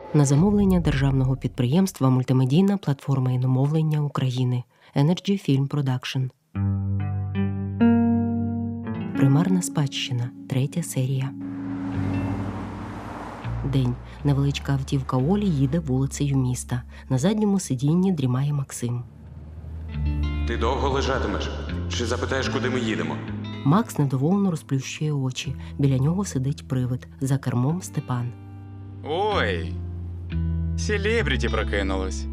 На замовлення державного підприємства «Мультимедійна платформа іномовлення України» Energy Film Production. Примарна спадщина. 3 серія. День. Невеличка автівка Олі їде вулицею міста. На задньому сидінні дрімає Максим. Ти довго лежатимеш? Чи запитаєш, куди ми їдемо? Макс недоволено розплющує очі. Біля нього сидить привид. За кермом Степан. Ой, селебріті прокинулось.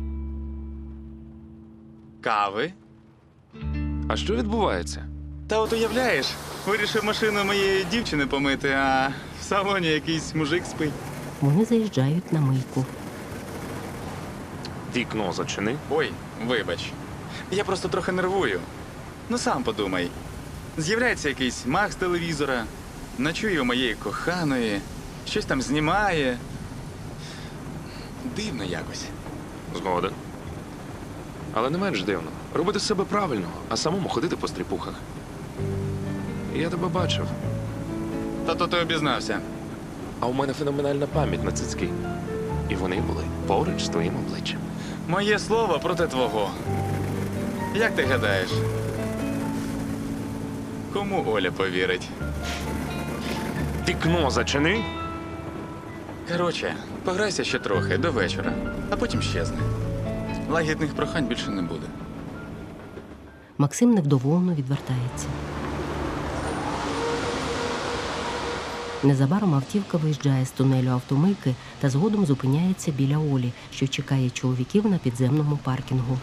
Кави? А що відбувається? Та от уявляєш, вирішив машину моєї дівчини помити, а в салоні якийсь мужик спить. Вони заїжджають на мийку. Вікно зачини. Ой, вибач. Я просто трохи нервую. Ну сам подумай. З'являється якийсь маг з телевізора, ночує у моєї коханої, щось там знімає. Дивно якось. Згоден. Але не менш дивно. Робити себе правильно, а самому ходити по стріпухах. Я тебе бачив. Та то ти обізнався. А у мене феноменальна пам'ять на цицьки. І вони були поруч з твоїм обличчям. Моє слово проти твого. Як ти гадаєш? Кому Оля повірить? Вікно зачини. Коротше, пограйся ще трохи, до вечора, а потім щезне. Лагідних прохань більше не буде. Максим невдоволено відвертається. Незабаром автівка виїжджає з тунелю автомийки та згодом зупиняється біля Олі, що чекає чоловіків на підземному паркінгу.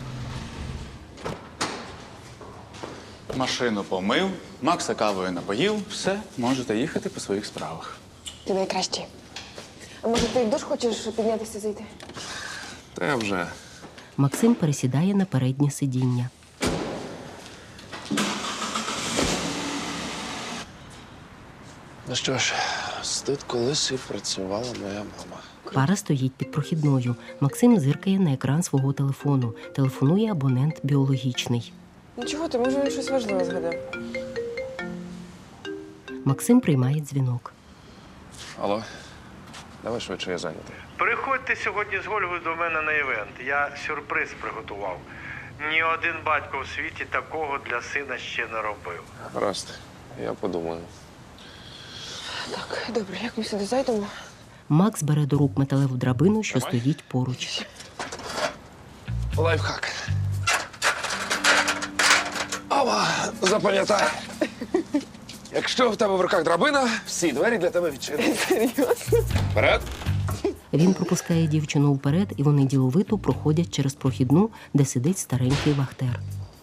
Машину помив, Макса кавою напоїв, все, можете їхати по своїх справах. Ти найкращий. А може ти в душ хочеш піднятися зайти? Та я вже. Максим пересідає на переднє сидіння. Ну що ж, тут колись і працювала моя мама. Пара стоїть під прохідною. Максим зиркає на екран свого телефону. Телефонує абонент біологічний. Ну чого ти, може він щось важливе згадав? Максим приймає дзвінок. Алло, давай швидше, я зайнятий. Приходьте сьогодні з Гольгою до мене на івент. Я сюрприз приготував. Ні один батько в світі такого для сина ще не робив. Гаразд, я подумаю. Так, добре, як ми сюди зайдемо? Макс бере до рук металеву драбину, що стоїть поруч. Лайфхак. Ава, запам'ятай. Якщо в тебе в руках драбина, всі двері для тебе відчинені. Серйозно? Вперед. Він пропускає дівчину вперед, і вони діловито проходять через прохідну, де сидить старенький вахтер.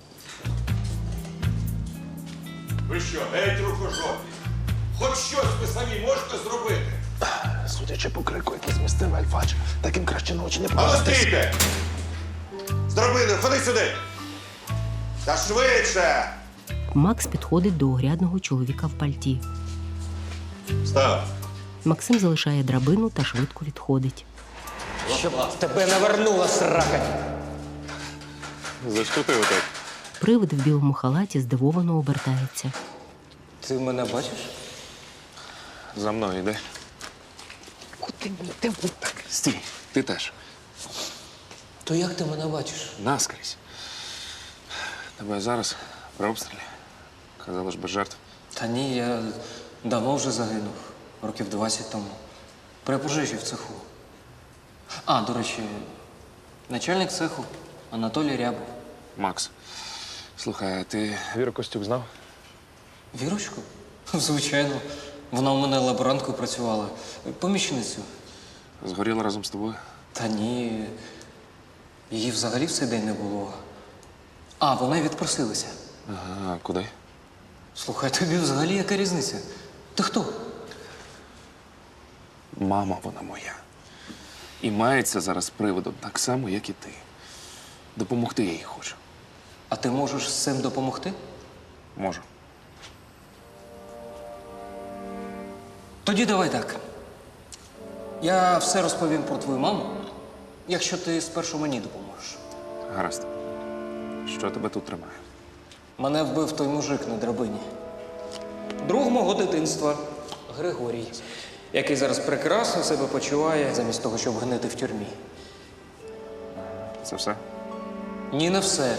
Ви що, геть рукожопі? Хоч щось ви самі можете зробити? Судячи по крику, який змістив Альфач, таким краще на очі не А ну показатись. стійте! Зробили, ходи сюди! Та швидше! Макс підходить до огрядного чоловіка в пальті. Став! Максим залишає драбину та швидко відходить. Щоб тебе навернула срака. За що ти отак? Привид в білому халаті здивовано обертається. Ти мене бачиш? За мною йди. Куди ми йдемо? Так, стій, ти теж. То як ти мене бачиш? Наскрізь. Тебе зараз при обстрілі. Казали ж без жертв. Та ні, я давно вже загинув. Років 20 тому. При пожежі в цеху. А, до речі, начальник цеху Анатолій Рябов. Макс, слухай, а ти Віру Костюк знав? Вірочку? Звичайно. Вона у мене лаборанткою працювала. Помічницю. Згоріла разом з тобою? Та ні. Її взагалі в цей день не було. А, вона й відпросилася. Ага, а куди? Слухай, тобі взагалі яка різниця? Ти хто? Мама вона моя. І мається зараз з приводом так само, як і ти. Допомогти я їй хочу. А ти можеш з цим допомогти? Можу. Тоді давай так. Я все розповім про твою маму, якщо ти спершу мені допоможеш. Гаразд. Що тебе тут тримає? Мене вбив той мужик на драбині. Друг мого дитинства Григорій. який зараз прекрасно себе почуває, замість того, щоб гнити в тюрмі. Це все? Ні, не все.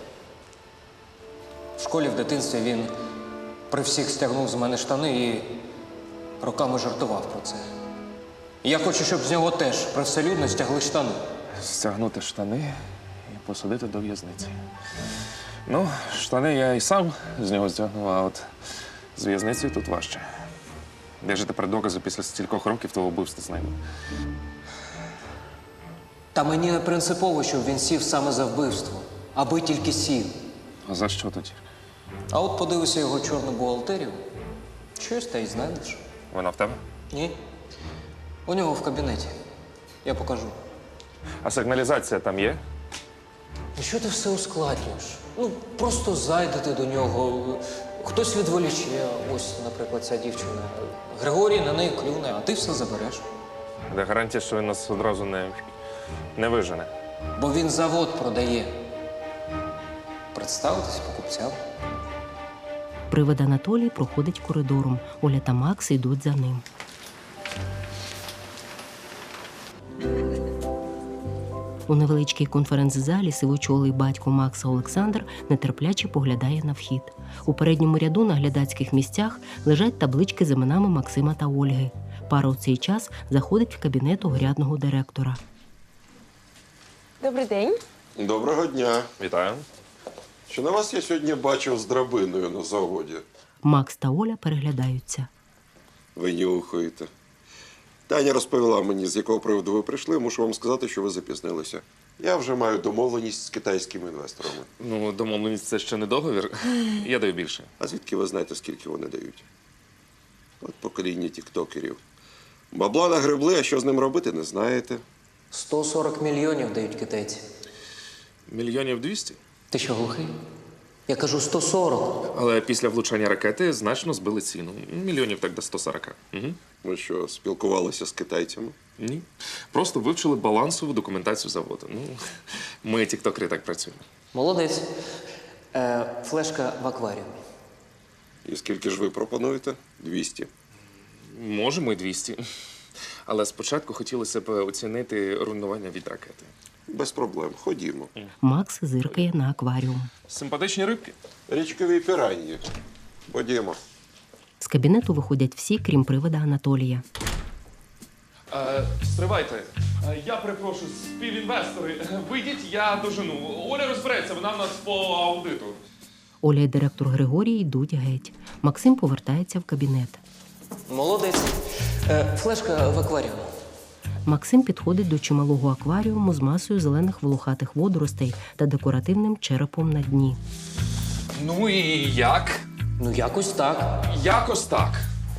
В школі в дитинстві він при всіх стягнув з мене штани і роками жартував про це. І я хочу, щоб з нього теж привселюдно стягли штани. Стягнути штани і посадити до в'язниці. Ну, штани я і сам з нього стягнув, а от з в'язницею тут важче. Де ж тепер докази після стількох років того вбивства з ними? Та мені не принципово, щоб він сів саме за вбивство, аби тільки сів. А за що тоді? А от подивися його чорну бухгалтерію. Щось та й знайдеш. Вона в тебе? Ні. У нього в кабінеті. Я покажу. А сигналізація там є? Ну що ти все ускладнюєш? Ну, просто зайдете до нього. Хтось відволіче. Ось, наприклад, ця дівчина. Григорій на неї клюне, а ти все забереш. Де гарантія, що він нас одразу не вижене? Бо він завод продає. Представитись покупцям. Привид Анатолій проходить коридором. Оля та Макс йдуть за ним. У невеличкій конференц-залі сивочолий батько Макса Олександр нетерпляче поглядає на вхід. У передньому ряду на глядацьких місцях лежать таблички з іменами Максима та Ольги. Пара у цей час заходить в кабінет огрядного директора. Добрий день. Доброго дня. Вітаю. Чи на вас я сьогодні бачив з драбиною на заводі? Макс та Оля переглядаються. Ви нюхаєте. Таня розповіла мені, з якого приводу ви прийшли. Мушу вам сказати, що ви запізнилися. Я вже маю домовленість з китайськими інвесторами. Ну, домовленість – це ще не договір. Я даю більше. А звідки ви знаєте, скільки вони дають? От покоління тіктокерів. Бабла нагребли, а що з ним робити, не знаєте. 140 мільйонів дають китайці. Мільйонів 200? Ти що, глухий? Я кажу 140. Але після влучання ракети значно збили ціну. Мільйонів так до 140. Угу. Ви що, спілкувалися з китайцями? Ні. Просто вивчили балансову документацію заводу. Ну, ми, тіктокери, так працюємо. Молодець. Флешка в акваріумі. І скільки ж ви пропонуєте? 200. Можемо і 200. Але спочатку хотілося б оцінити руйнування від ракети. Без проблем. Ходімо. Макс зиркає на акваріум. Симпатичні рибки. Річкові піранні. Ходімо. З кабінету виходять всі, крім привида Анатолія. Стривайте. Я перепрошую, співінвестори. Вийдіть, я дожену. Оля розбереться, вона в нас по аудиту. Оля і директор Григорій йдуть геть. Максим повертається в кабінет. Молодець. Флешка в акваріумі. Максим підходить до чималого акваріуму з масою зелених волохатих водоростей та декоративним черепом на дні. Ну і як? Ну, якось так. Якось так.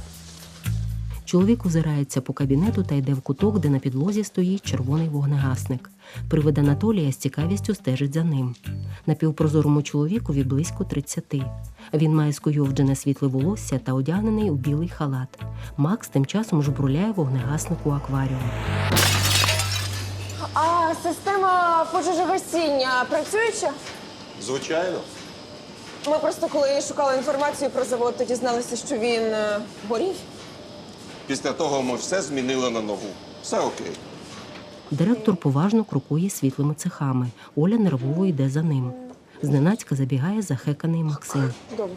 Чоловік озирається по кабінету та йде в куток, де на підлозі стоїть червоний вогнегасник. Привид Анатолія з цікавістю стежить за ним. Напівпрозорому чоловікові близько 30. Він має скуйовджене світле волосся та одягнений у білий халат. Макс тим часом жбурляє вогнегасник у акваріум. А система пожежогасіння працююча? Звичайно. Ми просто коли шукали інформацію про завод, то дізналися, що він горів. Після того ми все змінили на нову. Все окей. Директор поважно крокує світлими цехами. Оля нервово йде за ним. Зненацька забігає захеканий Максим. Добре.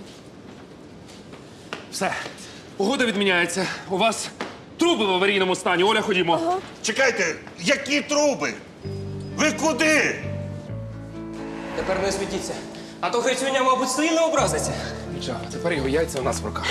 Все. Угода відміняється. У вас труби в аварійному стані. Оля, ходімо. Чекайте, які труби? Ви куди? Тепер не світіться. А то Грицюня, мабуть, сильно образиться. Нічого, тепер його яйця у нас в руках.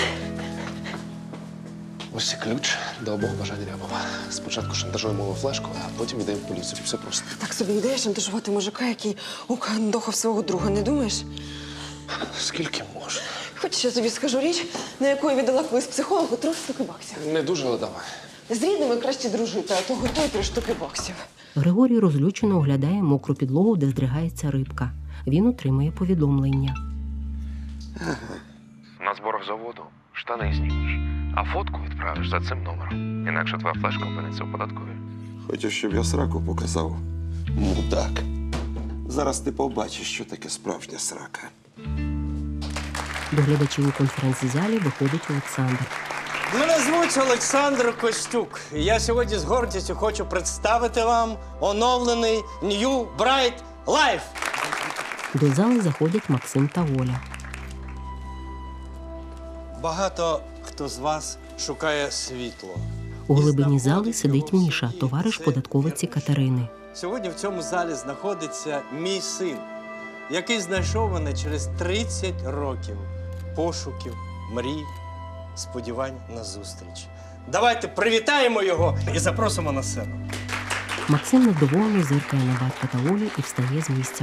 Ось і ключ до обох бажань Рябова. Спочатку шантажуємо його флешку, а потім йдемо в поліцію. Все просто. Так собі ідея шантажувати мужика, який укандохав свого друга, не думаєш? Скільки можна? Хочеш, я тобі скажу річ, на яку я віддала колись психологу 3 штуки баксів. Не дуже, але давай. З рідними краще дружити, а то готуй 3 штуки баксів. Григорій розлючено оглядає мокру підлогу, де здригається рибка. Він отримує повідомлення. На зборах заводу штани знімеш, а фотку відправиш за цим номером. Інакше твоя флешка опиниться у податковій. Хочеш, щоб я сраку показав? Мудак. Зараз ти побачиш, що таке справжня срака. До глядачів у конференц-залі виходить Олександр. Мене звуть Олександр Костюк. І я сьогодні з гордістю хочу представити вам оновлений New Bright Life. До зали заходять Максим та Оля. Багато хто з вас шукає світло. У глибині зали сидить Міша, товариш податковиці Катерини. Сьогодні в цьому залі знаходиться мій син, який знайшов мене через 30 років пошуків, мрій, сподівань на зустріч. Давайте привітаємо його і запросимо на сцену. Максим недоволено зиркає на батька та Олю і встає з місця.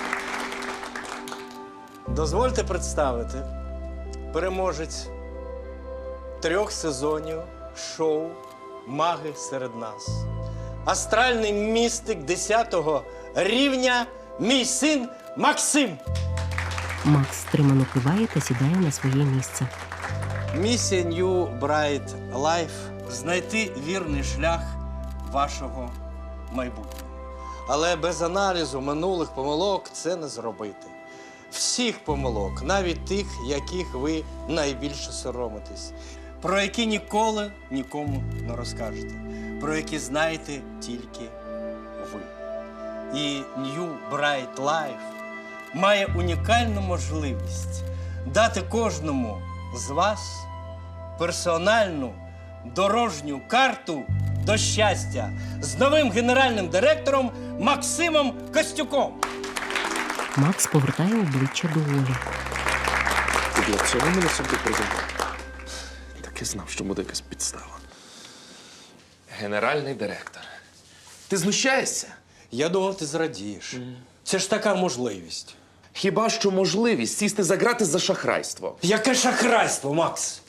Дозвольте представити переможець 3 сезонів шоу «Маги серед нас». Астральний містик 10-го рівня, мій син Максим. Макс стримано киває та сідає на своє місце. Місія New Bright Life – знайти вірний шлях вашого майбутнього. Але без аналізу минулих помилок це не зробити. Всіх помилок, навіть тих, яких ви найбільше соромитесь, про які ніколи нікому не розкажете, про які знаєте тільки ви. І New Bright Life має унікальну можливість дати кожному з вас персональну дорожню карту до щастя з новим генеральним директором Максимом Костюком. Макс повертає обличчя до Олі. Ти для цього мене сюди призвав? Так і знав, що буде якась підстава. Генеральний директор. Ти знущаєшся? Я думав, ти зрадієш. Це ж така можливість. Хіба що можливість сісти за грати за шахрайство? Яке шахрайство, Макс?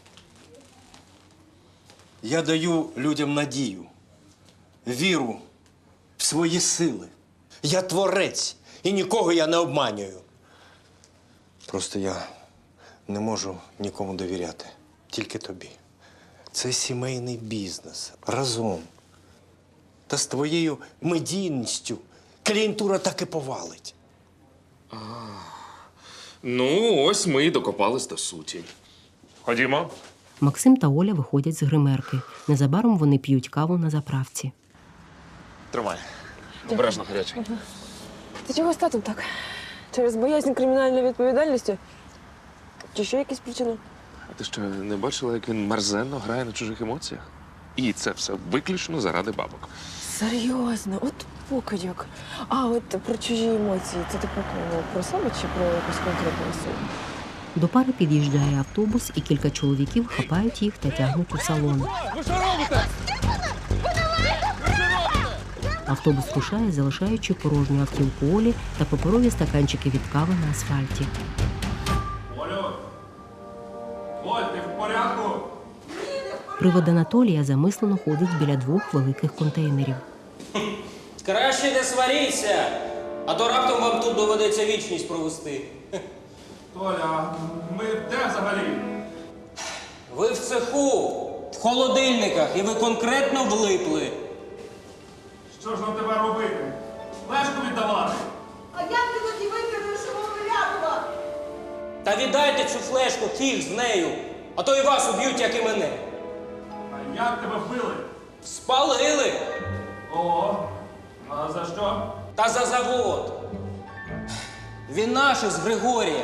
Я даю людям надію, віру в свої сили. Я творець і нікого я не обманюю. Просто я не можу нікому довіряти, тільки тобі. Це сімейний бізнес. Разом. Та з твоєю медійністю клієнтура так і повалить. Ну, ось ми і докопались до суті. Ходімо. Максим та Оля виходять з гримерки. Незабаром вони п'ють каву на заправці. Тримай. Обережно гарячий. Ти чого з татом так? Через боязнь кримінальної відповідальності? Чи ще якісь причини? А ти що, не бачила, як він мерзенно грає на чужих емоціях? І це все виключно заради бабок. Серйозно, от покидьок. А от про чужі емоції, це типу про себе чи про якусь конкретну особу? До пари під'їжджає автобус, і кілька чоловіків хапають їх та тягнуть у салон. Ви що робите? Автобус рушає, залишаючи порожню автівку Олі та паперові стаканчики від кави на асфальті. Олю! Оль, ти в порядку? Привид Анатолія замислено ходить біля 2 великих контейнерів. Краще не сваріться, а то раптом вам тут доведеться вічність провести. Толя, ми де взагалі? Ви в цеху, в холодильниках, і ви конкретно влипли. Що ж нам тебе робити? Флешку віддавати? А як ти тоді викинеш його Вилябова? Та віддайте цю флешку, фіг з нею, а то і вас уб'ють, як і мене. А як тебе вбили? Спалили. О, а за що? Та за завод. Він наш з Григорієм.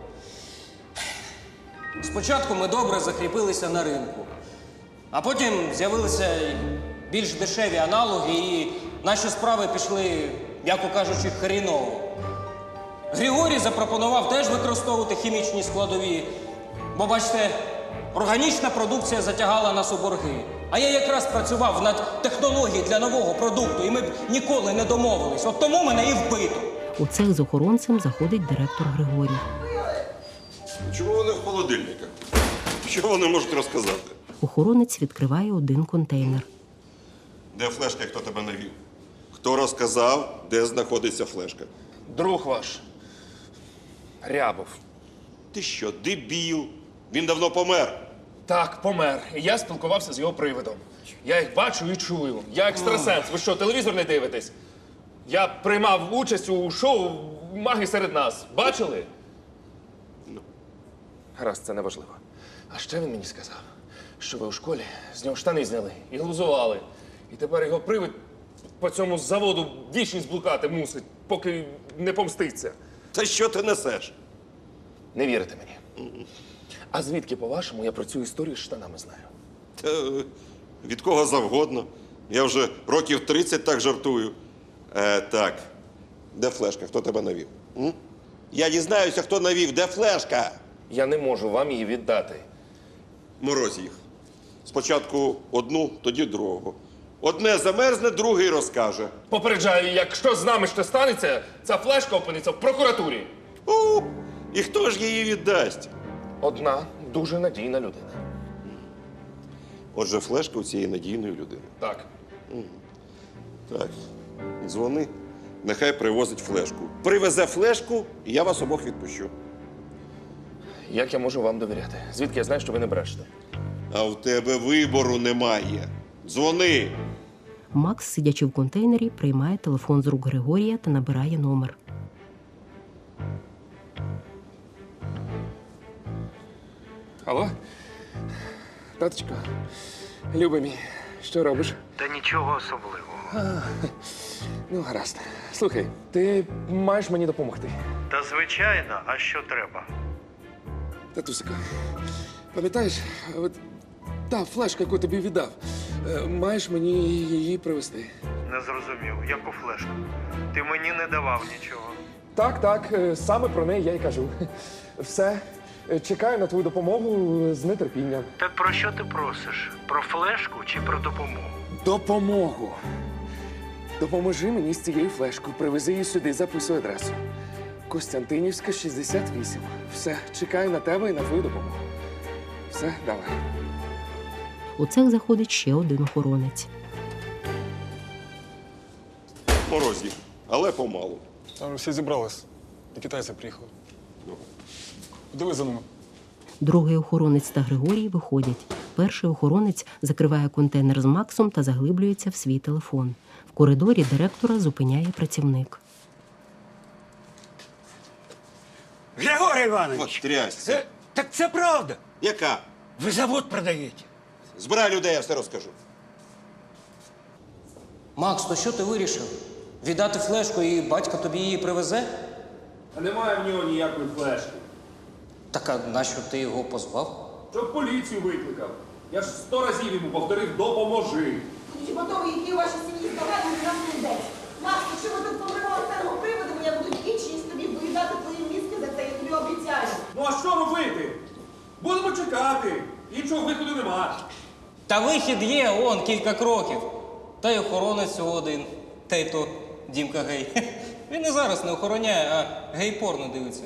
Спочатку ми добре закріпилися на ринку, а потім з'явилися більш дешеві аналоги, і наші справи пішли, м'яко кажучи, хріново. Григорій запропонував теж використовувати хімічні складові, бо, бачите, органічна продукція затягала нас у борги. А я якраз працював над технологією для нового продукту, і ми б ніколи не домовились. От тому мене і вбито. У цех з охоронцем заходить директор Григорій. Чому вони в холодильниках? Що вони можуть розказати? Охоронець відкриває один контейнер. Де флешка і хто тебе навів? Хто розказав, де знаходиться флешка? Друг ваш. Рябов. Ти що, дебіл? Він давно помер. Так, помер. І я спілкувався з його привидом. Я їх бачу і чую. Я екстрасенс. Ви що, телевізор не дивитесь? Я приймав участь у шоу «Маги серед нас». Бачили? Гаразд, це неважливо. А ще він мені сказав, що ви у школі з нього штани зняли і глузували. І тепер його привид по цьому заводу вічність блукати мусить, поки не помститься. Та що ти несеш? Не вірите мені? А звідки, по-вашому, я про цю історію з штанами знаю? Та, від кого завгодно. Я вже років 30 так жартую. Так, де флешка? Хто тебе навів? М? Я дізнаюся, хто навів. Де флешка? Я не можу вам її віддати. Мороз їх. Спочатку одну, тоді другого. Одне замерзне, другий розкаже. Попереджаю, якщо з нами що станеться, ця флешка опиниться в прокуратурі. І хто ж її віддасть? Одна дуже надійна людина. Отже, флешка у цієї надійної людини. Так. Так, дзвони. Нехай привозить флешку. Привезе флешку, і я вас обох відпущу. Як я можу вам довіряти? Звідки я знаю, що ви не брешете? А в тебе вибору немає. Дзвони. Макс, сидячи в контейнері, приймає телефон з рук Григорія та набирає номер. Алло? Таточко, любий мій, що робиш? Та нічого особливого. Ну, гаразд. Слухай, ти маєш мені допомогти. Та звичайно, а що треба? Татусико, пам'ятаєш, от та флешка, яку тобі віддав, маєш мені її привезти. Не зрозумів, яку флешку? Ти мені не давав нічого. Так, саме про неї я й кажу. Все, чекаю на твою допомогу з нетерпінням. Так про що ти просиш? Про флешку чи про допомогу? Допомогу. Допоможи мені з цією флешкою. Привези її сюди, записуй адресу. Костянтинівська, 68. Все, чекаю на тебе і на твою допомогу. Все, давай. У цех заходить ще один охоронець. Мороз їх, але помалу. Там всі зібрались. І китайці приїхали. Дивись за ними. Другий охоронець та Григорій виходять. Перший охоронець закриває контейнер з Максом та заглиблюється в свій телефон. В коридорі директора зупиняє працівник. Григорій Іванович! От трясся. Так це правда. Яка? Ви завод продаєте. Збирай людей, я все розкажу. Макс, то що ти вирішив? Віддати флешку і батько тобі її привезе? А немає в нього ніякої флешки. Так а нащо ти його позвав? Щоб поліцію викликав. Я ж 100 разів йому повторив «допоможи». Чи готові йти у вашій сім'ї здавати на нас не йдеться? Макс, якщо ми тут помремо старого приводу, я буду вічність тобі виїдати твої мізки за це, я тобі обіцяю. Ну а що робити? Будемо чекати. Іншого виходу нема. Та вихід є, он, кілька кроків. Та й охоронець один. Та й то Дімка гей. Він і зараз не охороняє, а гей-порно дивиться.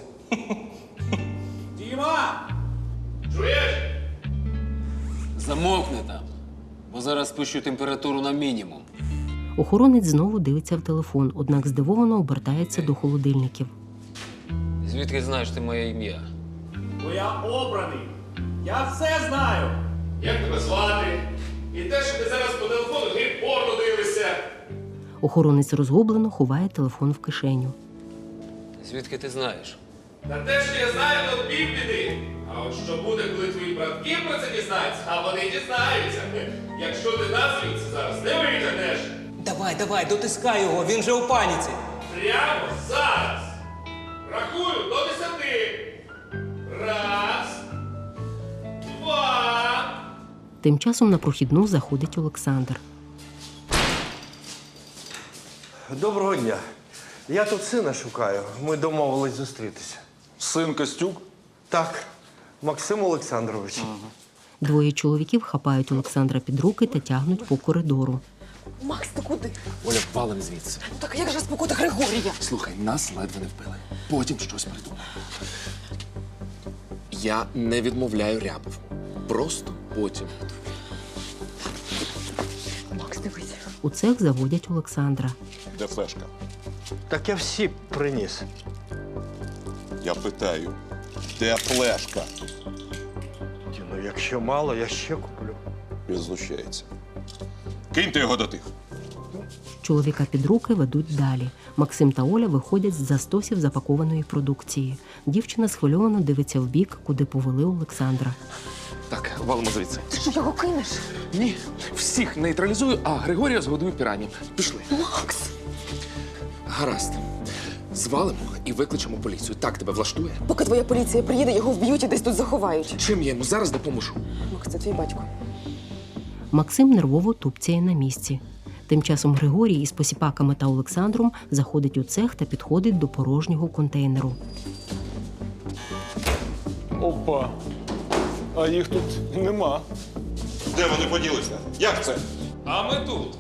Діма! Чуєш? Замовкни там, бо зараз спущу температуру на мінімум. Охоронець знову дивиться в телефон, однак здивовано обертається до холодильників. Звідки знаєш ти моє ім'я? Бо я обраний. Я все знаю. Як тебе звати? І те, що ти зараз по телефону гей-порно дивишся. Охоронець розгублено ховає телефон в кишеню. Звідки ти знаєш? Та те, що я знаю, то півбіди. А от що буде, коли твої братки про це дізнаються, а вони дізнаються. Якщо ти нас звідси зараз не витягнеш. Давай, дотискай його, він же у паніці. Прямо зараз. Рахую до 10. Раз. Два. Тим часом на прохідну заходить Олександр. Доброго дня. Я тут сина шукаю. Ми домовились зустрітися. Син Костюк? Так, Максим Олександрович. Двоє чоловіків хапають Олександра під руки та тягнуть по коридору. Макс, ти куди? Оля, валим звідси. Ну так як же спокута Григорія? Слухай, нас ледве не вбили. Потім щось придумаємо. Я не відмовляю Рябову. Просто потім. Макс, дивись. У цех заводять Олександра. Де флешка? Так я всі приніс. Я питаю, де флешка? Ну, якщо мало, я ще куплю. Він знущається. Киньте його до тих. Чоловіка під руки ведуть далі. Максим та Оля виходять з-за стосів запакованої продукції. Дівчина схвильовано дивиться вбік, куди повели Олександра. Так, валимо звідси. Ти що, його кинеш? Ні, всіх нейтралізую, а Григорія згодую пірані. Пішли. Макс! Гаразд. Звалимо і викличемо поліцію. Так тебе влаштує? Поки твоя поліція приїде, його вб'ють і десь тут заховають. Чим я йому зараз допоможу? Макс, це твій батько. Максим нервово тупцяє на місці. Тим часом Григорій із посіпаками та Олександром заходить у цех та підходить до порожнього контейнеру. Опа. А їх тут нема. Де вони поділися? Як це? А ми тут.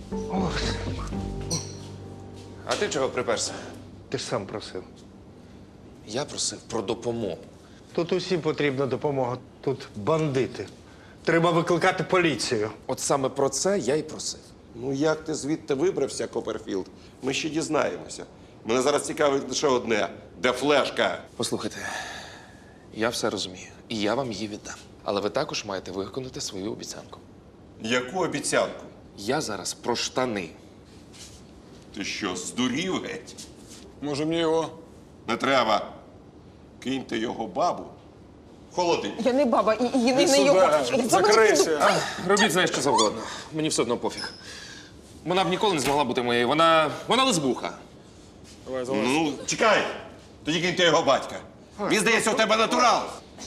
А ти чого приперся? Ти ж сам просив. Я просив про допомогу. Тут усім потрібна допомога. Тут бандити. Треба викликати поліцію. От саме про це я й просив. Ну як ти звідти вибрався, Копперфілд? Ми ще дізнаємося. Мене зараз цікавить лише одне. Де флешка? Послухайте, я все розумію, і я вам її віддам. Але ви також маєте виконати свою обіцянку. Яку обіцянку? Я зараз про штани. Ти що, здурів геть? Може мені його? Не треба. Киньте його бабу в холодильник. Я не баба, і не Іди його. сюди, закрийся. Робіть, знаєш, що завгодно. Мені все одно пофіг. Вона б ніколи не змогла бути моєю. Вона лесбуха. Давай, залазь. Ну, чекай. Тоді киньте його батька. Він, здається, у тебе натурал.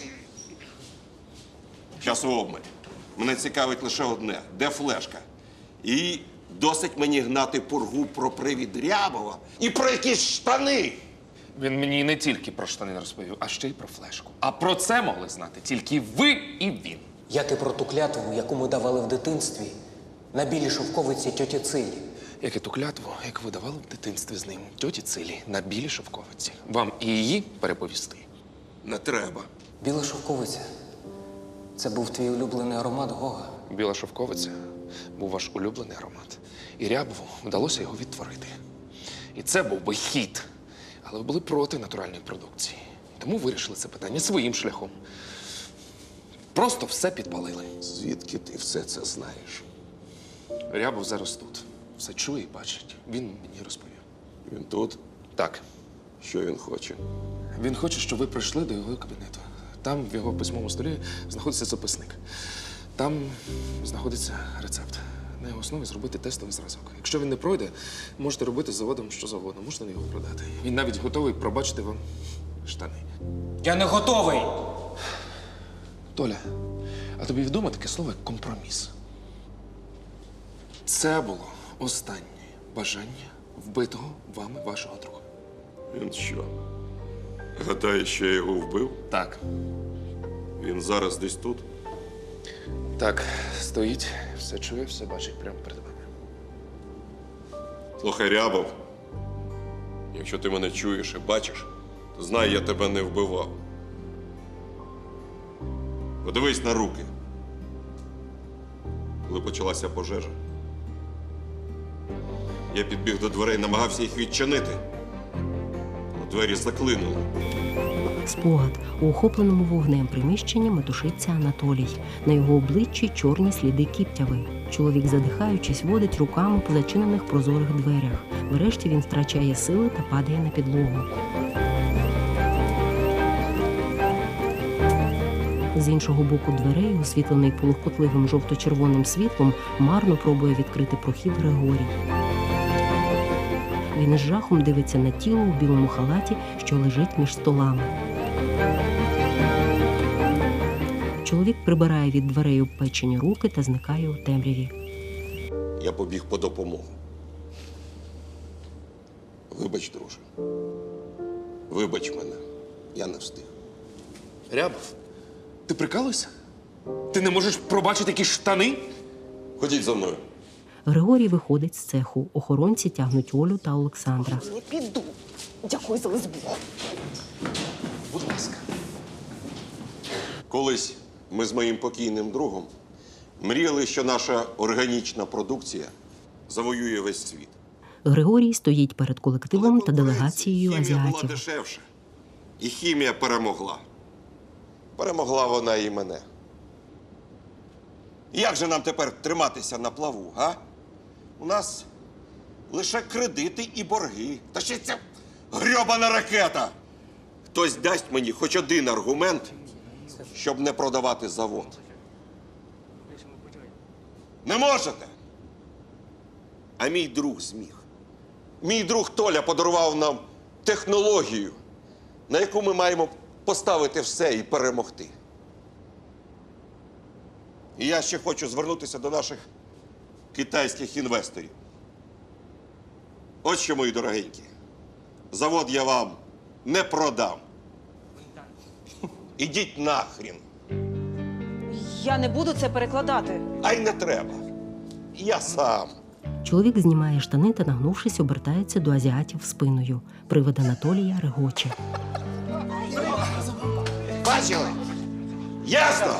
Часу обмаль. Мене цікавить лише одне. Де флешка? І досить мені гнати пургу про привід Рябова і про якісь штани. Він мені не тільки про штани розповів, а ще й про флешку. А про це могли знати тільки ви і він. Як і про ту клятву, яку ми давали в дитинстві на білій шовковиці тьоті Цилі. Як і ту клятву, яку ви давали в дитинстві з ним тьоті Цилі на білій шовковиці. Вам і її переповісти? Не треба. Біла шовковиця – це був твій улюблений аромат, Гога. Біла шовковиця був ваш улюблений аромат. І Рябову вдалося його відтворити. І це був би хід. Але ви були проти натуральної продукції. Тому вирішили це питання своїм шляхом. Просто все підпалили. Звідки ти все це знаєш? Рябов зараз тут. Все чує і бачить. Він мені розповів. Він тут? Так. Що він хоче? Він хоче, щоб ви прийшли до його кабінету. Там в його письмовому столі знаходиться записник. Там знаходиться рецепт. На його основі зробити тестовий зразок. Якщо він не пройде, можете робити з заводом що завгодно. Можете його продати. Він навіть готовий пробачити вам штани. Я не готовий! Толя, а тобі відомо таке слово, як компроміс? Це було останнє бажання вбитого вами вашого друга. Він що? Гадає, що я його вбив? Так. Він зараз десь тут? Так, стоїть, все чує, все бачить прямо перед вами. Слухай, Рябов, якщо ти мене чуєш і бачиш, то знай, я тебе не вбивав. Подивись на руки. Коли почалася пожежа, я підбіг до дверей, намагався їх відчинити. Але двері заклинули. Спогад. У охопленому вогнем приміщенні метушиться Анатолій. На його обличчі чорні сліди кіптяви. Чоловік, задихаючись, водить руками по зачинених прозорих дверях. Врешті він втрачає сили та падає на підлогу. З іншого боку дверей, освітлений полухкотливим жовто-червоним світлом, марно пробує відкрити прохід Григорій. Він із жахом дивиться на тіло у білому халаті, що лежить між столами. Чоловік прибирає від дверей обпечені руки та зникає у темряві. Я побіг по допомогу. Вибач, друже. Вибач мене. Я не встиг. Рябов, ти прикалуєшся? Ти не можеш пробачити якісь штани? Ходіть за мною. Григорій виходить з цеху. Охоронці тягнуть Олю та Олександра. Не піду. Дякую за лесбуху. Будь ласка. Колись ми з моїм покійним другом мріяли, що наша органічна продукція завоює весь світ. Григорій стоїть перед колективом та делегацією Хімія була азіатів. дешевша. І хімія перемогла. Перемогла вона і мене. Як же нам тепер триматися на плаву, га? У нас лише кредити і борги. Та ще ця грьобана ракета. Хтось дасть мені хоч один аргумент, щоб не продавати завод. Не можете? А мій друг зміг. Мій друг Толя подарував нам технологію, на яку ми маємо поставити все і перемогти. І я ще хочу звернутися до наших китайських інвесторів. От що, мої дорогенькі, завод я вам не продам. Ідіть нахрін. Я не буду це перекладати. А й не треба. Я сам. Чоловік знімає штани та, нагнувшись, обертається до азіатів спиною. Привид Анатолія регоче. Бачили? Ясно?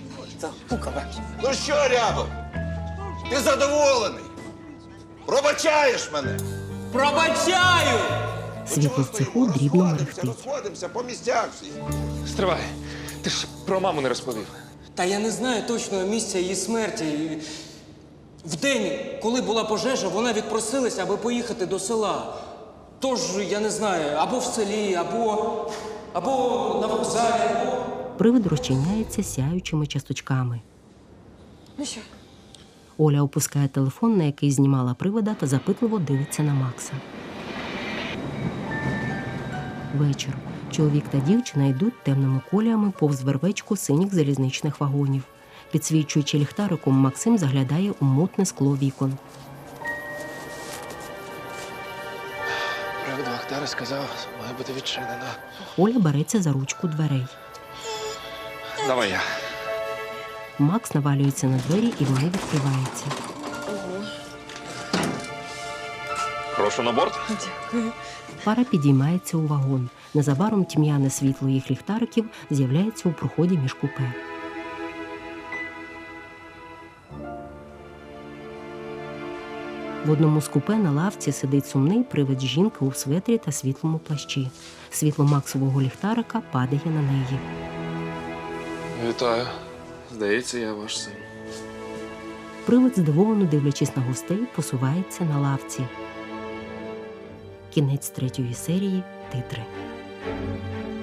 Ну що, Рябов? Ти задоволений? Пробачаєш мене? Пробачаю! Світло в цеху дрібно мерехтить. Розходимося по місцях всі. Стривай, ти ж про маму не розповів. Та я не знаю точного місця її смерті. В день, коли була пожежа, вона відпросилася, аби поїхати до села. Тож, я не знаю, або в селі, або на вокзалі, або... Привид розчиняється сяючими часточками. Ну що? Оля опускає телефон, на який знімала привида, та запитливо дивиться на Макса. Вечір. Чоловік та дівчина йдуть темними коліями повз вервечку синіх залізничних вагонів. Підсвічуючи ліхтариком, Максим заглядає у мутне скло вікон. Привид Вахтара сказав, має бути відчинена. Оля береться за ручку дверей. Давай я. Макс навалюється на двері, і вони відкриваються. Прошу на борт. Дякую. Пара підіймається у вагон. Незабаром тьмяне світло їх ліхтариків з'являється у проході між купе. В одному з купе на лавці сидить сумний привид жінки у светрі та світлому плащі. Світло Максового ліхтарика падає на неї. Вітаю. Здається, я ваш син. Привид, здивовано дивлячись на гостей, посувається на лавці. Кінець 3-ї серії. Титри.